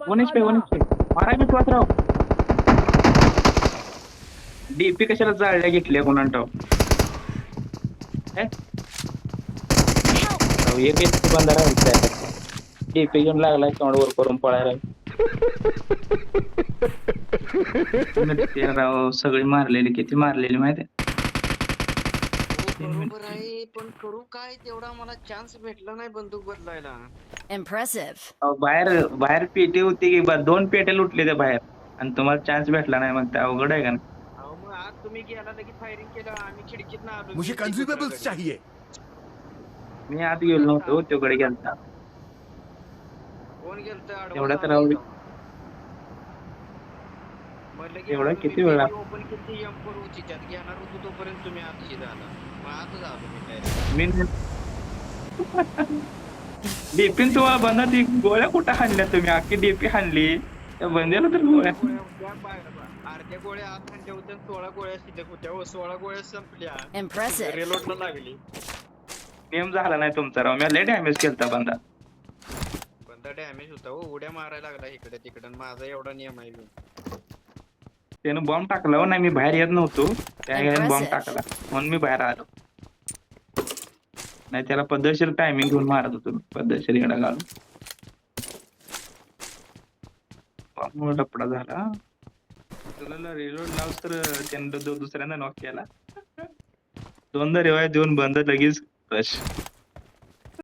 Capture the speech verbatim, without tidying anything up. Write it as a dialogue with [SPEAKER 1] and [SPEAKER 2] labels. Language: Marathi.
[SPEAKER 1] One H P one H P मारा विश्वासराव. डीपी कशाला जाळल्या घेतल्या कोणाला ठाऊक. एक एक बंदा राहायचा डीपी घेऊन लागलाय तोंडवर करून पळायला. राव सगळी मारलेली किती मारलेली माहिती आहे.
[SPEAKER 2] बरोबर आहे पण करू काय तेवढा मला चान्स भेटला नाही बंदूक बदलायला.
[SPEAKER 3] इम्प्रेसिव्ह.
[SPEAKER 1] बाहेर बाहेर पेटी होती की दोन पेटे लुटले ते बाहेर आणि तुम्हाला चान्स भेटला नाही मग ते अवघड आहे का नाही.
[SPEAKER 2] अहो मग आज तुम्ही गेला की फायरिंग केलं आम्ही खिडकीत आलो.
[SPEAKER 4] मुझे कंज्यूमेबल्स चाहिए.
[SPEAKER 1] मी आत गेलो नव्हतो तोकडे गेलता.
[SPEAKER 2] कोण गेलत
[SPEAKER 1] एवढा तर राहू दे. एवढा किती वेळा
[SPEAKER 2] ओपन किती एम फोर होती त्यात घेणार होतो तोपर्यंत तुम्ही आतशी झाला. मग आतच आलो मी
[SPEAKER 1] मी डीपीन तुम्हाला बंदा ती गोळ्या कुठं हाणल्या तुम्ही अख्खी डीपी हाणली त्या बंद्याला तर गोळ्या
[SPEAKER 2] अर्ध्या गोळ्या आत हाणल्या होत्या सोळा गोळ्या शिल्लक होत्या व सोळा गोळ्या संपल्या.
[SPEAKER 3] इम्प्रेसिव्ह.
[SPEAKER 2] रिलोडला लागली.
[SPEAKER 1] गेम झाला नाही तुमचा राव. मी लय डॅमेज केलता बंदा.
[SPEAKER 2] बंदा डॅमेज होता हो उड्या मारायला लागला इकडे तिकडे. माझा एवढा नियम आहे.
[SPEAKER 1] त्यानं बॉम्ब टाकला हो. नाही मी बाहेर येत नव्हतो त्या बॉम्ब टाकला म्हणून मी बाहेर आलो. नाही त्याला पद्धतशीर टायमिंग घेऊन मारत होतो पद्धतशीर येडा घालून. बॉम्ब लपडा झाला. तुला रिलोड लावस तर त्यानं दुसऱ्यांदा नॉक केला. दोनदा रिवाय देऊन बंद लगेच रश.